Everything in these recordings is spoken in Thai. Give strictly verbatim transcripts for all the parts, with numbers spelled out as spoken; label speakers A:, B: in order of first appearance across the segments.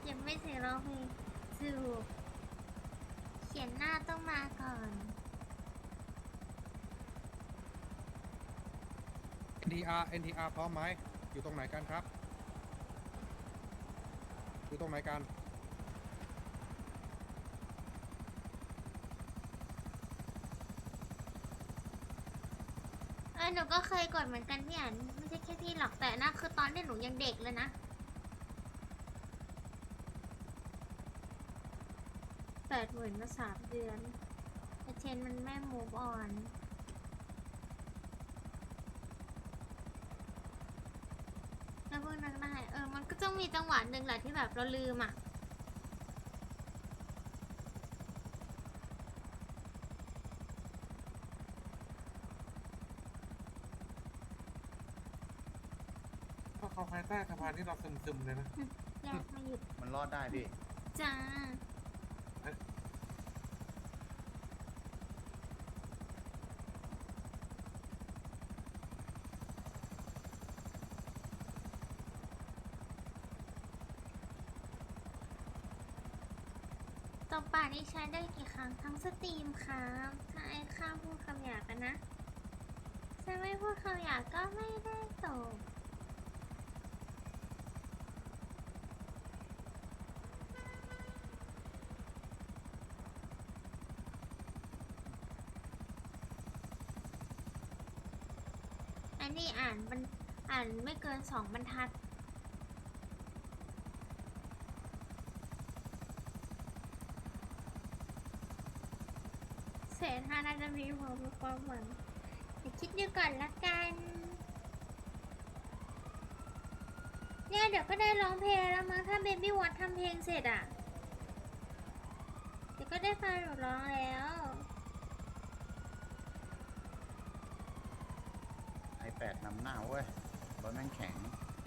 A: เก็บไม่เสร็จร้องเพลงสูบเขียนหน้าต้องมาก่อน
B: เอ็น ที อาร์ เอ็น ที อาร์ พร้อมไหมอยู่ตรงไหนกันครับอยู่ตรงไหนกัน
A: เออหนูก็เคยกดเหมือนกันพี่อันไม่ใช่แค่พี่หรอกแต่นะคือตอนที่หนูยังเด็กเลยนะแปดหมื่นมาสามเดือนแต่เชนมันไม่มูฟออนแล้วพวกนั้นได้เออมันก็ต้องมีจังหวะหนึ่งแหละที่แบบเราลืมอ่ะ
C: ถ้าเขาภายใต้สะพานที่เราซึมๆเลยนะ
A: แยกไม่หยุด
D: มันรอดได้พี่
A: จ้าตบปากนี่ใช้ได้กี่ครั้งทั้งสตรีมครับถ้าไอ้ข้าพูดคำหยาบกันนะถ้าไม่พูดคำหยาบก็ไม่ได้ตบอันนี้อ่านมันอ่านไม่เกินสองบรรทัดเศษห้าน่าจะมีพอมีความหวังเดี๋ยวคิดดูก่อนละกันเนี่ยเดี๋ยวก็ได้ร้องเพลงแล้วมั้งถ้าเบบี้วอททำเพลงเสร็จอ่ะเดี๋ยวก็ได้ฟังหนูร้องแล้ว
D: ไอแปดนำหน้าเว้ยรถแม่งแข็ง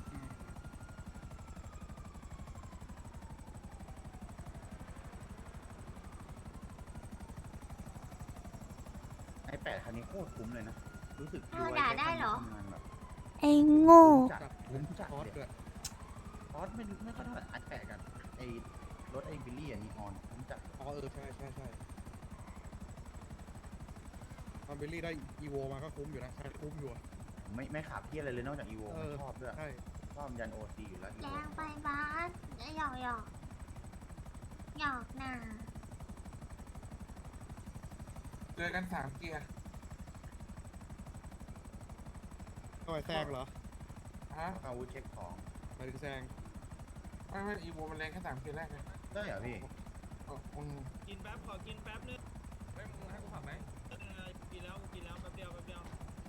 D: ไอแปดคันนี้โคตรคุ้มเลยนะ รู้สึก
A: เอาด่าได้เหรอ
D: ทำงานแบบ
E: ไอ้โง่
D: จัดคุ้มจัด
B: คอร์ส
D: เลย
B: ด้วย
D: คอสไม่ไม่ค่อยเท่าไหร่ไอแปดกันไอรถไอบิลลี่อันนี้ออนคุ้มจัด
B: อ๋อเออใช่ใช่ใช่ตอนเบลลี่ได้อีโวมาก็คุ้มอยู่นะใช่คุ้มอยู่อะ
D: ไม่ไม่ขับเที่ยอะไรเลยนอกจากอีโว
B: เออ
D: ชอบด้วย
B: ใช่
D: ชอบยันโอซีอยู่แล้วอี
A: แร
D: โว
A: งไปบาสหยอกหยอกหยอกหนา
C: เจอกันสามเกียร์
B: ก็ไปแซงเหรอ
C: ฮะ
D: อาวุธเช็คของ
B: หมายถึงแซง
C: ไม่ไม่อีโวมันแรงแค่สามเกียร์แรกเลย
D: ได้เหรอพี่
C: เอออืม
F: กินแป๊บขอกินแป๊บนึง
C: ไม่มึงให้กูขับไหม
F: เออกินแล้วกินแล้วแป๊บเดียวแป๊บเดียว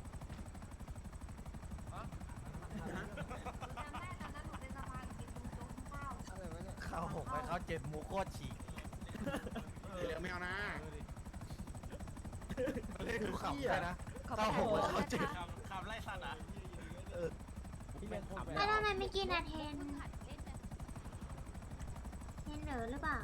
G: เข้าหกไปเข้าเจ็ดมูโคตรฉีก
B: เดี๋ยวไม่เอานะ
G: เล่นดูขับไปนะเข้าหกไปเข้าเจ็ด
F: ขับขับไล่สัตว์อ่ะ
A: แล้วทำไมไม่กินอะเทนเทนเหนอหรือเปล่า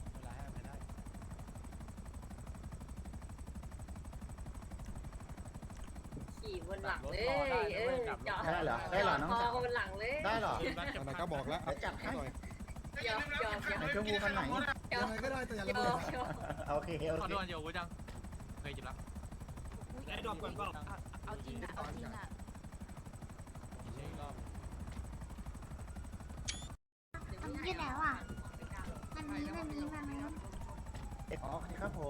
H: ขี่บนหลังเลยเออจอด
D: ได้เหรอได้เหรอน้อง
H: ค
D: สาว
H: บนหลังเลย
D: ได้เหรอ
B: ตอนนั้นก็บอกแล้ว
D: เดี๋ยวจัดให้
B: หน่อย
H: ยอมยอมยอม
D: ไหนเจ้างูคันไหน
G: ยังไงก็ได้แต่อย่าระ
H: ย
G: เบิ
H: อ
G: ด
H: มยอม
D: โอเคโอ
F: ขอ
D: เค
F: โดนอยู่กูจังเคยจิบแล้วได้ดอกก่อนเปล่า
E: เอาจริงอะเอาจริงอะ
A: มันยืดแล้วอ่ะมันนี้มันนี้มันนี้
D: อ๋อโอเคครับผม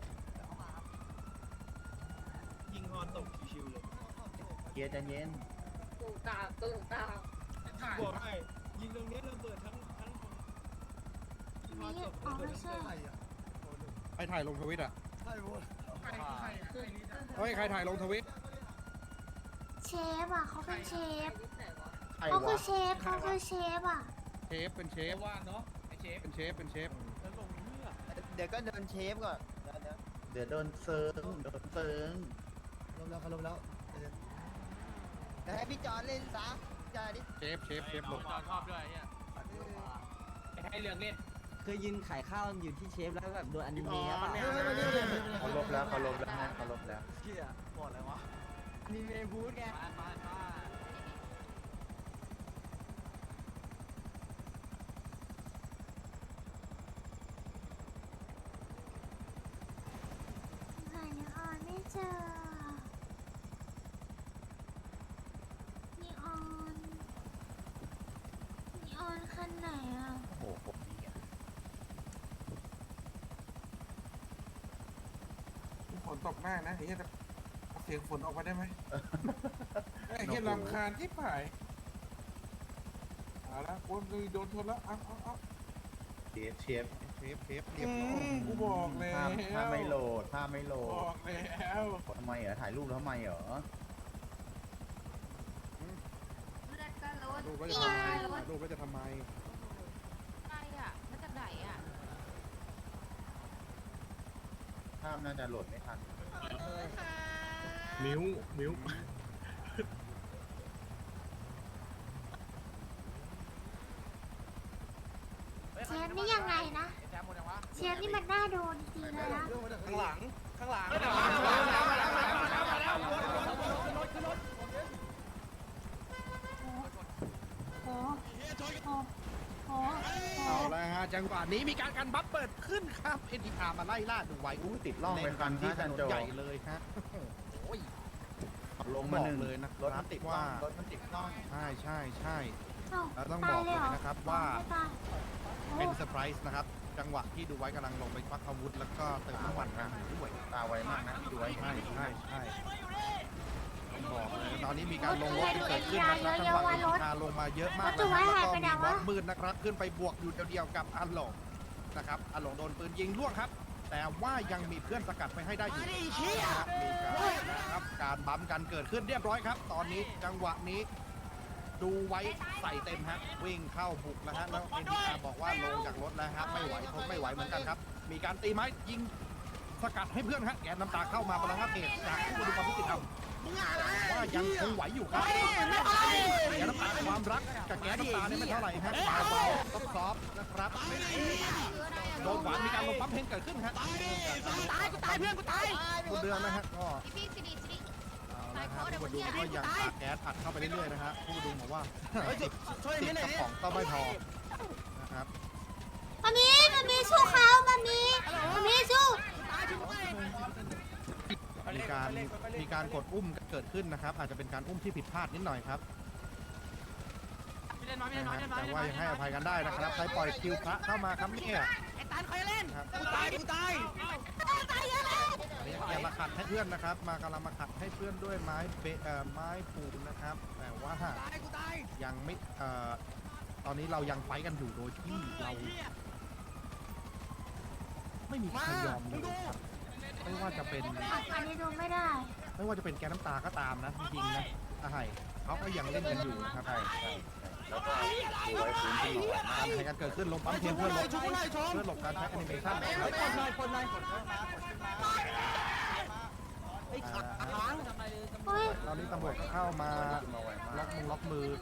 F: ยิงฮอนตกชิวๆเลย
D: เกียร์ใจเย็น
H: ตูตามตูตาม
F: บอกให้ยิงตรงนี้ระเบิดทั้งทั้ง
A: ไม่ยืดอ๋อไม่ใช่
B: ใครถ่ายลงทวิตอ่ะ
G: ใช่โว้ย
B: เฮ้ยใครถ่ายลงทวิต
A: เชฟอ่ะเขาเป็นเชฟ
D: ใคร
A: เขาคือ
D: วะ
A: เชฟเขาคือเชฟอ่ะ
B: เชฟเป็นเชฟ
F: ว่าเนาะไอเชฟ
B: เป็นเชฟเป็นเชฟ
F: แล้วลงนี่อ่ะ
G: เดี๋ยวก็เดินเชฟก่อนเดี๋ยวเดี๋ยว
D: เดี๋ยวโดนเซิร์งโดนเซิร์ง
G: ลงแล้วเขาลงแล้วเดี๋ยวให้พี่จอนเล่นซะจอนดิ
B: เชฟเชฟเชฟลง
F: จอนชอบด้วยไอ้เนี่ยให้เรื่องเล่น
I: เคยยืนขายข้าวอยู่ที่เชฟแล้วแบบโดนอนิเมะป่ะ
D: เขาลบแล้วเขาลบแล้วนะเขาลบแล้ว
G: เชี่ยบอดอะไรวะ
I: อนิเมะบูธไง
F: มามามา
C: ตกได้นะไอ้เหี้ยเอาเสียงฝนออกมาได้ไหมไอ้เหี้ยรำคาญที่ผายเอาละคนเลยโดนชนแล้วเอาเอาเอา
D: เชฟเชฟ
B: เทปเทปเรียบร้อย
C: กูบอกแล้ว
D: ภาพภาพไม่โหลดภาพไม่โหล
C: บ
D: ด
C: อกแล้ว
D: ทำไมเหรอถ่ายรูปแล้วทำไมเหรอ
B: ลูกก็จะทำไมลูกก็จะทำไม
E: อะไรอ่ะมาจากไหนอ่ะ
D: ภาพน่าจะโหลดไม่ทัน
F: มิ้วมิ้ว
A: เชฟนี่ยังไงนะ เชฟนี่มันน่าโดนจริงๆเลยนะ
G: ข้างหลัง ข้างหลัง
A: โอ้โหโอ้โห
B: เอาละฮะจังหวะนี้มีการการบัฟเปิดขึ้นครับ เอ็น ที อาร์ มาไล่ล่าดูไว้
D: อู้ติดล่องไปคัน
B: ที่
D: ที่
B: ถ
D: จัน
B: นน
D: โจ
B: ใหญ่เลยฮะโอ้ย
D: ลงมาหนึ่ง
B: บอกเลยนะ
D: รถมันติด
B: ว่า
D: ล่องรถมันติดล่อง
B: ใช่ใช่ใช่
A: เอ้า
B: แล้วต้อง
A: ตา
B: บ
A: ย
B: อก
A: เลย
B: เล
A: เหรอย
B: นะครับว่า
A: ไม่ตายโอ้
B: เป็นเซอร์ไพรส์นะครับ จังหวะที่ดูไว้กำลังลงไปควักอาวุธ แล้วก็เติมน้ำมันกันอยู่ด้วย
D: ตาไวมากนะพี่ดูไว้
B: ใช่ใช่ใช่ต้องบอกเลยตอนนี้มีการลงรถที่เกิดขึ้นนะครับจังหวะนี้มีการลงมาเยอะมากนะครับแล้วก็มีบอสมืดนะครับ ขึ้นไปบวกอยู่เดียวๆกับอันหลงนะครับอันหลงโดนปืนยิงล่วงครับ แต่ว่ายังมีเพื่อนสกัดไปให้ได้อยู่นะครับมีการนะครับการบัมกันเกิดขึ้นเรียบร้อยครับ ตอนนี้จังหวะนี้ ดูไว้ใส่เต็มฮะวิ่งเข้าบุกแล้วฮะแล้วเอ็นทีอาร์บอกว่าลงจากรถแล้วฮะไม่ไหวทนไม่ไหวเหมือนกันครับ มีการตีไม้ยิงสกัดให้เพื่อนฮะแกนน้ำตาเข้ามาประลังเหตุจากผู้ดูความยุติธรรมว่ายังคงไหวอยู่ครับแกนน้ำตาความรักกับแกนน้ำตาเนี่ยไม่เท่าไหร่ฮะเบาๆซอฟๆนะครับโดนหวานมีการลงปั๊มเพลงเกิดขึ้นฮะตายกูตายเพื่อนกูตายคุณเดือนนะฮะก็
E: พี่สิริสิริ
B: เอาละครับผู้ดูก็ยังอัดแก๊สอัดเข้าไปเรื่อยๆนะฮะผู้ดูบอกว่าติดติดกระป๋องก็ไม่พอนะครับ
A: มามีมามีสู้เขามามีมามีสู้
B: มีการมีการกดอุ้มเกิดขึ้นนะครับ อาจจะเป็นการอุ้มที่ผิดพลาดนิดหน่อยครับนะฮะแต่ว่ายังให้อภัยกันได้นะครับใครปล่อยคิวพระเข้ามาครับเนี่ยไอ้ตาใครเล่นกูตายกูตายอย่ามาขัดให้เพื่อนนะครับ มากำลังมาขัดให้เพื่อนด้วยไม้เบเอ่อไม้ปูนนะครับ แต่ว่ายังไม่เอ่อตอนนี้เรายังไฟกันอยู่โดยที่เรา ไม่มีใครยอมเลยครับไม่ว่าจะเป็น
A: อันนี้ดูไม่ได้
B: ไม่ว่าจะเป็นแกน้ำตาก็ตามนะจริงๆนะอาไห่เขาก็ยังเล่นกันอยู่นะครับ
D: ใช่ใช่แล้วก็ดูไว้ฟื้นขึ้นมา
B: การแข่งกันเกิดขึ้นลงปั๊มเทียมเพื่อหลบเพื่อหลบการใช้แอนิเมชันนะครับ
G: คนหน่อยคนหน่อย
A: เฮ้ย
B: ตอนนี้ตำรวจก็เข้ามา
D: มาไวมา
B: ล็อก
D: ก
B: มือล็อกมือ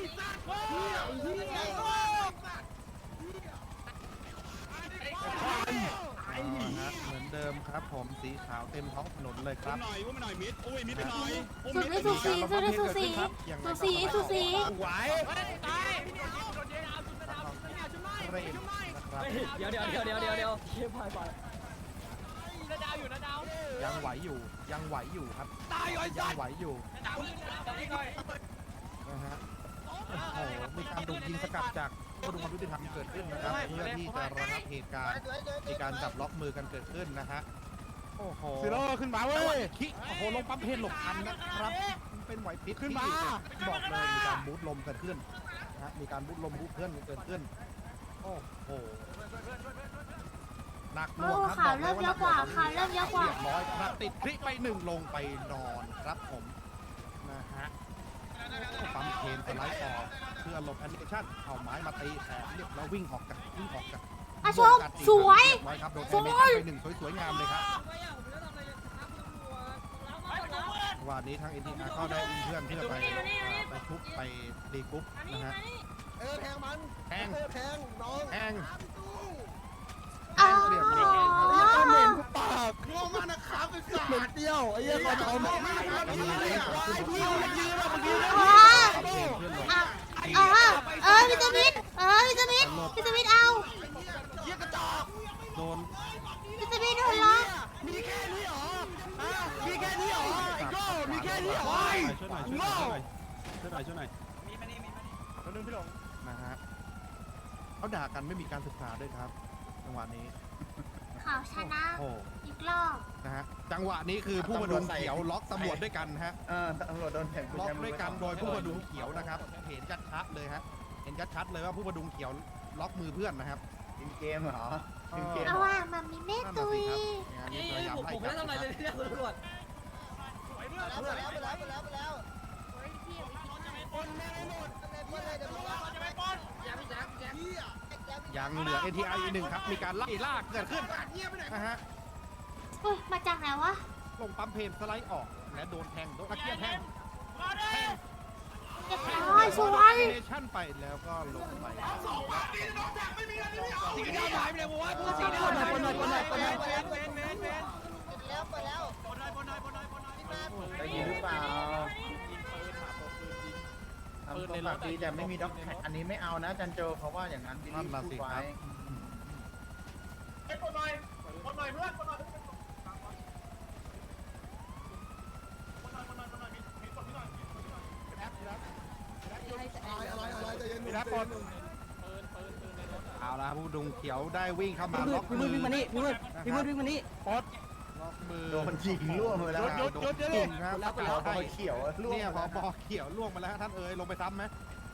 B: อ่าฮะเหมือนเดิมครับผมสีขาวเต็มท้องถนนเลยครับ
F: หน่อยว่าไม่หน่อยมิดอุ้ยมิดไปหน่อย
A: สุดไม่สุดสีสุดไม่สุดสีสุดสีสุดสี
F: ไหว
B: เรนนะครับ
I: เดี๋ยวเดี๋ยวเดี๋ยวเดี๋ยวเดี๋ยวเดี๋ยว
B: ยังไหวอยู่ยังไหวอยู่ครับยังไหวอยู่นะฮะโอ้โหมีการดุยิงสกัดจากผู้ดูความยุติธรรมเกิดขึ้นนะครับเพื่อที่จะระงับเหตุการณ์มีการจับล็อกมือกันเกิดขึ้นนะฮะโอ้โห
F: ซีโร่ขึ้นมาเว้ย
B: คิโอ้โหลงปั๊มเพนหลบทันนะครับเป็นไหวพริบขึ้นมาบอกเลยมีการบูทลมเกิดขึ้นนะฮะมีการบูทลมบูทเพื่อนเกิดขึ้นโอ้โหหนักหน่
A: โอ้
B: วงครับ
A: ขาเริ่มเยอะกว่าขาเริ่มเยอะกว่า
B: เรียบร้อยครับติดคลิกไปหนึ่งลงไปนอนครับผมนะฮะปั๊มเคนสไลด์ต่อเพื่อหลบแอนิเมชั่นเอาไม้มาตีแขนเรียบแล้ววิ่งออกจากวิ่งออกจาก
A: อาชมสวย
B: เรีบร้อยครับโดนแอนิเมชั่นไปหนึ่งสวยๆงามเลยครับวันนี้ทาง เอ็น ที อาร์ ก็ได้อุ้มเพื่อนเพื่อไปไปทุบไปรีกรุ๊ปนะฮะ
G: เออแทงมัน
B: แทง
G: เออแทงน้อง
B: แทง
A: อ๋อ
B: เรียบร้อยครับ
G: ปากงงมากนะครับไอ้สัตว์เหม็นเดียวไอ้เหี้ยเขาจะเอาหมด
B: มีเรื่องเกิดขึ้น
G: พี่มันยืนแล้วมันยืน
A: อ๋อ
B: ปั๊มเพนเพื่อนหลบ
A: อ๋อเออวิตามินเออวิตามินวิตามินเอา
G: เหี้ยกระจอก
B: โดน
A: วิตามินโดนล็อก
G: มีแค่นี้เหรอฮะมีแค่นี้เหรอไอ้โก้มีแค่นี้เหรอไอ้
F: ช่วยหน่อยช่วยหน่อยช่วยหน่อยช่วยหน่อย
B: นะฮะเขาด่ากันไม่มีการศึกษาด้วยครับจังหวะนี้
A: เขาชนะ
B: โอ้โห
A: อีกรอบ
B: นะฮะจังหวะนี้คือผู้ประดุงเขียวล็อกตำรวจด้วยกันฮะ
D: เออตำรวจโดนแทง
B: ล็อกด้วยกันโดยผู้ประดุงเขียวนะครับเห็นชัดๆเลยฮะเห็นชัดๆเลยว่าผู้ประดุงเขียวล็อกมือเพื่อนนะครับ
D: กินเกมเหรอกินเกม
A: เอาว่ามามีแม่
B: นั่น
A: ตุ
B: น่ะ
A: ย
B: สิครับเนี่ยมีพยายามไล่จับนะครับ
G: ไปแล้วไปแล้วไปแล้วไปแล้วไปแล้ว
E: เฮ้ยพี่อย่าไปคิดมาก
G: ปนแม่ให้หมดปนเลยเดี๋ยวมึงรับจะไปปนอย่าพี่แจ๊คแจ๊ค
B: ยังเหลือ เอ ที ไอ อีกหนึ่งครับมีการไล่ลากเกิดขึ้นนะฮะ
A: เฮ้ยมาจากไหนวะ
B: ลงปั๊มเพนสไลด์ออกและโดนแทงโดนตะเกียบแทงแทง
A: เรียบร้อยสวย
B: เนชั่นไปแล้วก็ลงไป
F: สีดำหายไปเลยวัวตัวสีดำ
I: คนหน่อยคนหน่อยคนหน่อยคนหน่อย
G: ไปแล้วไปแล้วไปแล้ว
F: บนหน่อยบนหน่อยบนหน่อยบนหน่อย
D: ได้ยินหรือเปล่าทำตัวปากดีแต่ไม่มีด็อกแท็กอันนี้ไม่เอานะจันโจเขาว่าอย่างนั้นบิล
B: นั่น
D: ลี่
B: น่ะ
D: พู
B: สิ
D: ด
B: ค
D: ไว้
B: รับ
F: บนหน่อยบนหน่อยเพื่อนบนหน่อยมีรับปน
B: เอาละผู้ดุงเขียวได้วิ่งเข้ามาล็อก
I: พี่
B: มื
I: มื
B: อ
I: ดวิ่งมานี่พี่มืดพี่มืดวิ่งมานี่
B: ปดล็อกมือ
D: โดนยิงล่วงไปแล้ว
B: โดนยิงครับ
I: แล้วไปแล้
D: เรา
I: ว
D: พอเขียวล่วง
B: เนี่ยพ
D: ไป
B: อ
D: แล้ว
B: บอเขียวล่วงมาแล้วฮะท่านเอ๋ยลงไปซ้ำไหม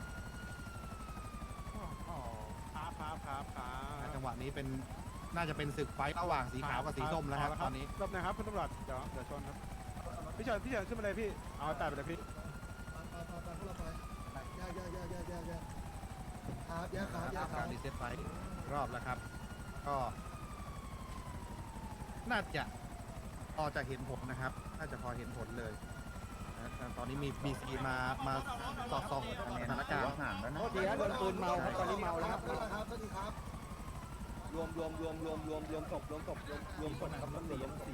F: ครับครับครับครับ
B: จังหวะนี้เป็นน่าจะเป็นศึกไฟท์ระหว่างสีขาวกับสีส้มแล้วครับตอนนี้
F: รอบนะครับคุณตำรวจเดี๋ยวเดี๋ยวชนครับพี่เฉินพี่เฉินขึ้นมาเลยพี่เอาแต่ไปเลยพี่
G: ครับยาครับยาครั
B: กา
G: บ
B: รรีเซ็ตไฟท์รอบแล้วครับ ก็น่าจะพอจะเห็นผลนะครับน่าจะพอเห็นผลเลยนะตอนนี้มีมีซีมามาสอดส่องสถาน
D: ถื
B: กา
D: อ
B: ร
D: ว่า
B: ณ์
D: ห่างแล้วนะ
I: โทษทีนะโดนปืนเมาครับตอนนี้เมาแล้วครับ
G: ครับสวัสดีครับ
I: รวมรวมรวมรวมรวมรวมศพรวมศพรวมรวมศพครับตำรวจรวมสี่
D: เห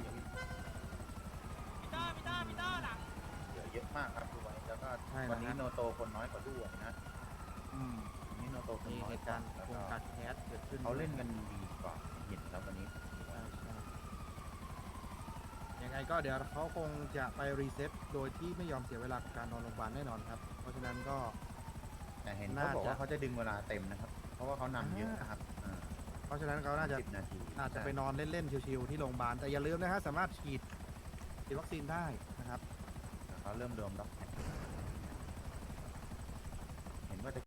D: ลือเยอะมากครับดูไว้แล้วก็วันนี้โนโตคนน้อยกว่าด้วยนะ
B: อืม
D: วันนี้โนโตคน
B: มี
D: น้อ
B: เห
D: ย
B: ตุ
D: ก
B: กา
D: ว่าร
B: ณ์
D: แล้ว
B: วง
D: ก็
B: การแคสเกิดขึ้น
D: เขาเล่นกันดีกว่าเห็นแล้ววันนี้
B: ใช่ใช่ยังไงก็เดี๋ยวเขาคงจะไปรีเซ็ตโดยที่ไม่ยอมเสียเวลากับการนอนโรงพยาบาลแน่นอนครับ เพราะฉะนั้นก็
D: แต่เห็นเขาบอกว่าเขาจะดึงเวลาเต็มนะครับ เพราะว่าเขานำเยอะนะครับ
B: เพราะฉะนั้นเขาน่าจะ
D: สิบนาที
B: อาจจะไปนอนเล่นๆชิวๆที่โรงพยาบาลแต่อย่าลืมนะฮะสามารถฉีดฉีดวัคซีนได้นะครับ
D: เขาเริ่มรวมด็อกแท็ก